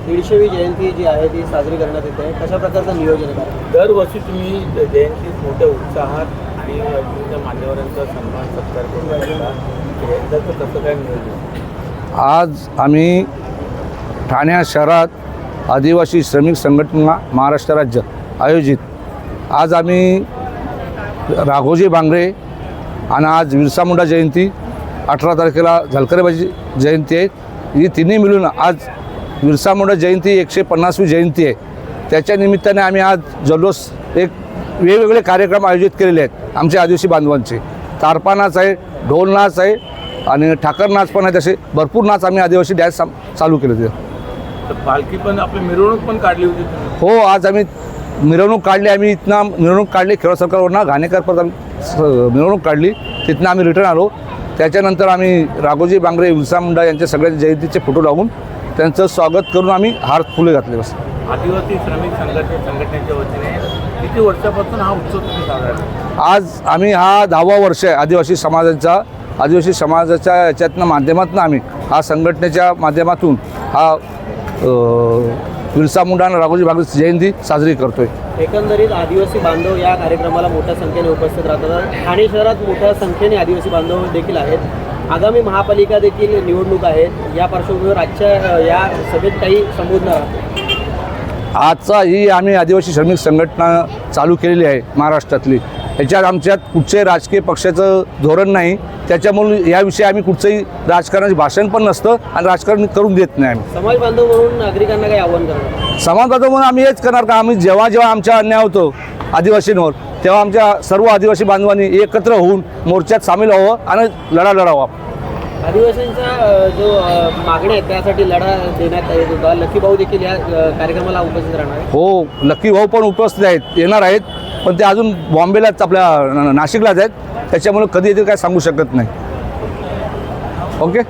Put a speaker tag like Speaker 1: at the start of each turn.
Speaker 1: 150वी जयंती जी आहे ती साजरी करण्यात येते, कशा प्रकारचं नियोजन आहे?
Speaker 2: दरवर्षी तुम्ही जयंती मोठ्या उत्साहात आणि विविध मान्यवरांचा सन्मान सत्कार करून राहिला, यंदाचं कसं काय नियोजन?
Speaker 3: आज आम्ही ठाणे शहरात आदिवासी श्रमिक संघटना महाराष्ट्र राज्य आयोजित आज आम्ही राघोजी बांगरे आणि आज बिरसा मुंडा जयंती 18 तारखेला झलकरेबाजी जयंती आहे. ही तिन्ही मिळून आज बिरसा मुंडा जयंती 150वी जयंती आहे. त्याच्या निमित्ताने आम्ही आज जल्लोष एक वेगवेगळे कार्यक्रम आयोजित केलेले आहेत. आमच्या आदिवासी बांधवांचे तारपा नाच आहे, ढोल नाच आहे आणि ठाकर नाच पण आहे. तसे भरपूर नाच आम्ही आदिवासी डॅन्स चालू केले होते.
Speaker 2: तर पालखी पण आपली मिरवणूक पण काढली होती तुम्ही?
Speaker 3: हो, आज आम्ही मिरवणूक काढली. आम्ही इथनं मिरवणूक काढली खेळ सरकारवरनं घाणेकरपर्यंत आम्ही मिरवणूक काढली. तिथनं आम्ही रिटर्न आलो. त्याच्यानंतर आम्ही राघोजी बांगरे बिरसा मुंडा यांच्या सगळ्या जयंतीचे फोटो लावून त्यांचं स्वागत करून आम्ही हार फुले घातले. बस
Speaker 2: आदिवासी श्रमिक संघटनेच्या वतीने किती वर्षापासून हा उत्सव तुम्ही साजरा करता?
Speaker 3: आज आम्ही हा 10वा वर्ष आहे आदिवासी समाजाच्या याच्यातनं माध्यमातून आम्ही हा संघटनेच्या माध्यमातून हा बिरसा मुंडा आणि राघोजी बांगरे जयंती साजरी करतोय.
Speaker 1: एकंदरीत आदिवासी बांधव या कार्यक्रमाला मोठ्या संख्येने उपस्थित राहतात. ठाणे शहरात मोठ्या संख्येने आदिवासी बांधव देखील आहेत. आगामी महापालिका देखील निवडणूक आहेत. या पार्श्वभूमीवर आजच्या या सभेत काही संबोधणार आहात?
Speaker 3: आजचा ही आम्ही आदिवासी श्रमिक संघटना चालू केलेली आहे महाराष्ट्रातली. याच्यात आमच्यात कुठच्याही राजकीय पक्षाचं धोरण नाही. त्याच्यामुळे याविषयी आम्ही कुठचंही राजकारणाचे भाषण पण नसतं आणि राजकारण करून देत नाही. आम्ही
Speaker 1: समाज बांधव म्हणून नागरिकांना काही आव्हान करणार?
Speaker 3: समाज बांधव म्हणून आम्ही हेच करणार का आम्ही जेव्हा आमच्या अन्याय होतो आदिवासींवर तेव्हा आमच्या सर्व आदिवासी बांधवांनी एकत्र होऊन मोर्चात सामील व्हावं आणि लढा लढावा.
Speaker 1: आदिवासींचा जो मागण्या आहेत त्यासाठी लढा देण्यात येत होता. लकी भाऊ देखील या कार्यक्रमाला उपस्थित राहणार आहे.
Speaker 3: हो, लकी भाऊ पण उपस्थित आहेत, येणार आहेत. पण ते अजून बॉम्बेलाच आपल्या नाशिकलाच आहेत. त्याच्यामुळे कधी येतील काय सांगू शकत नाही. ओके.